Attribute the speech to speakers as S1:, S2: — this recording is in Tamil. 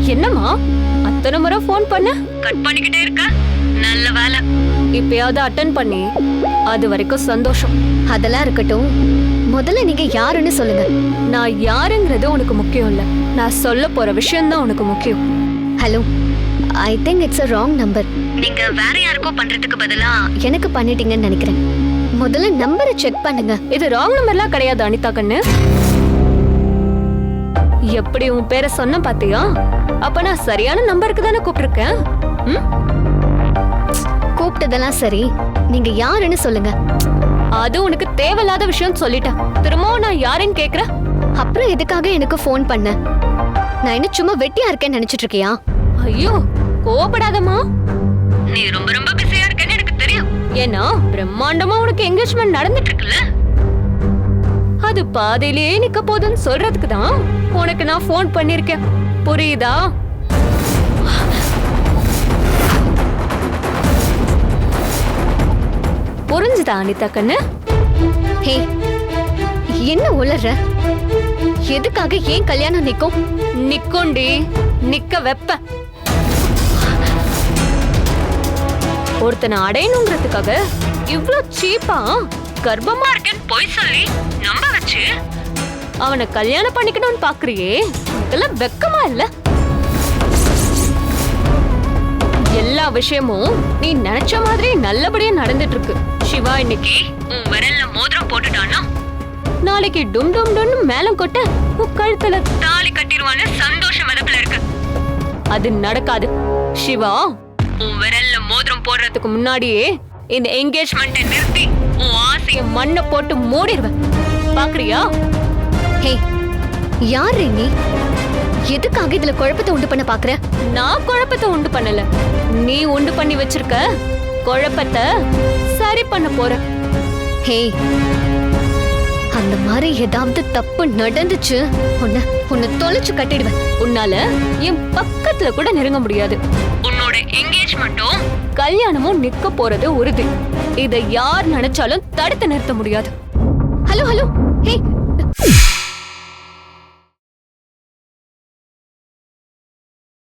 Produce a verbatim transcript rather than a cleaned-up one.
S1: என்னம்மா அத்தனை முறை போன் பண்ண கட் பண்ணிக்கிட்டே இருக்க? நல்ல வேலை, இப்பயாவது அட்டன் பண்ணி அது வரைக்கும் சந்தோஷம்.
S2: அதெல்லாம் இருக்கட்டும், முதல்ல நீங்க யாருன்னு சொல்லுங்க.
S1: நான் யாருங்கிறது உனக்கு முக்கியம் இல்ல, நான் சொல்ல போற விஷயம் தான் உனக்கு முக்கியம்.
S2: Hello, I think it's a wrong number.
S1: நீங்க வேற யாருக்கோ பண்றதுக்கு பதிலா
S2: எனக்கு பண்ணிட்டீங்கன்னு நினைக்கிறேன். முதல்ல நம்பரை செக் பண்ணுங்க.
S1: இது ராங் நம்பர்லாம் கிடையாது அனிதா கண்ணு. எப்படி உன் பேரை சொன்ன பாத்தியா? அப்ப நான் சரியான நம்பருக்கு தானே கூப்பிட்டிருக்கேன்.
S2: கூப்பிட்டதெல்லாம் சரி, நீங்க யாருன்னு சொல்லுங்க.
S1: அது உனக்கு தேவையில்லாத விஷயம் சொல்லிட்டேன். திரும்பவும் நான் யாருன்னு கேக்குறேன்.
S2: அப்புறம் எதுக்காக எனக்கு போன் பண்ண? நான் என்ன சும்மா வெட்டியா இருக்கேன்னு நினைச்சிட்டு இருக்கியா?
S1: ஐயோ கோபப்படாதம்மா, நீ ரொம்ப ரொம்ப பிஸியா இருக்கேன்னு எனக்கு தெரியும். ஏன்னா பிரம்மாண்டமா உனக்கு என்கேஜ்மெண்ட் நடந்துட்டு இருக்குல்ல, அது பாதியிலேயே நிக்க போதுன்னு சொல்றதுக்கு தான் உனக்கு நான் போன் பண்ணிருக்கேன். புரியுதா? புரிஞ்சுதா அனிதா கண்ணு?
S2: ஹே, என்ன உளற? எதுக்காக ஏன் கல்யாணம் நிக்கும்?
S1: நிக்குண்டி, நிக்க வெப்ப. ஒருத்தனை அடையணுங்கிறதுக்காக இவ்ளோ சீப்பா கர்ப்பமா இருக்கேன்னு பொய் சொல்லி நம்ப வச்சு அவனை கல்யாணம் பண்ணிக்கணும்னு பாக்குறியே, இதெல்லாம் வெக்கமா இல்ல? எல்லா விஷயமும் நீ நினைச்ச மாதிரி நல்லபடியா நடந்துட்டு இருக்கு. சிவா இன்னைக்கு உன் விரல்ல மோதிரம் போட்டுட்டானா, நாளைக்கு டும் டும் டும் மேலம் கொட்ட உன் கழுத்துல தாலி கட்டிடுவான்னு சந்தோஷ மதப்புல இருக்கு. அது நடக்காது. சிவா உன் விரல்ல மோதிரம் போடுறதுக்கு முன்னாடியே இந்த என்கேஜ்மெண்ட்டை நிறுத்தி உன் ஆசைய மண்ணை போட்டு மூடிடுவேன். பாக்குறியா?
S2: ஹே, யார் நீ? எதுக்காக இதுல குழப்பத்தை உண்டு பண்ண பாக்குற?
S1: நான் குழப்பத்தை உண்டு பண்ணல, நீ உண்டு பண்ணி வச்சிருக்க குழப்பத்தை சரி பண்ண போற.
S2: ஹே, அந்த மாதிரி ஏதாவது தப்பு நடந்துச்சு உன்னை உன்னை தொலைச்சு கட்டிடுவேன்.
S1: உன்னால என் பக்கத்துல கூட நெருங்க முடியாது. உன்னோட என்கேஜ்மெண்ட்டும் கல்யாணமும் நிக்க போறது உறுதி. இதை யார் நினைச்சாலும் தடுத்து நிறுத்த முடியாது.
S2: ஹலோ ஹலோ, ஹே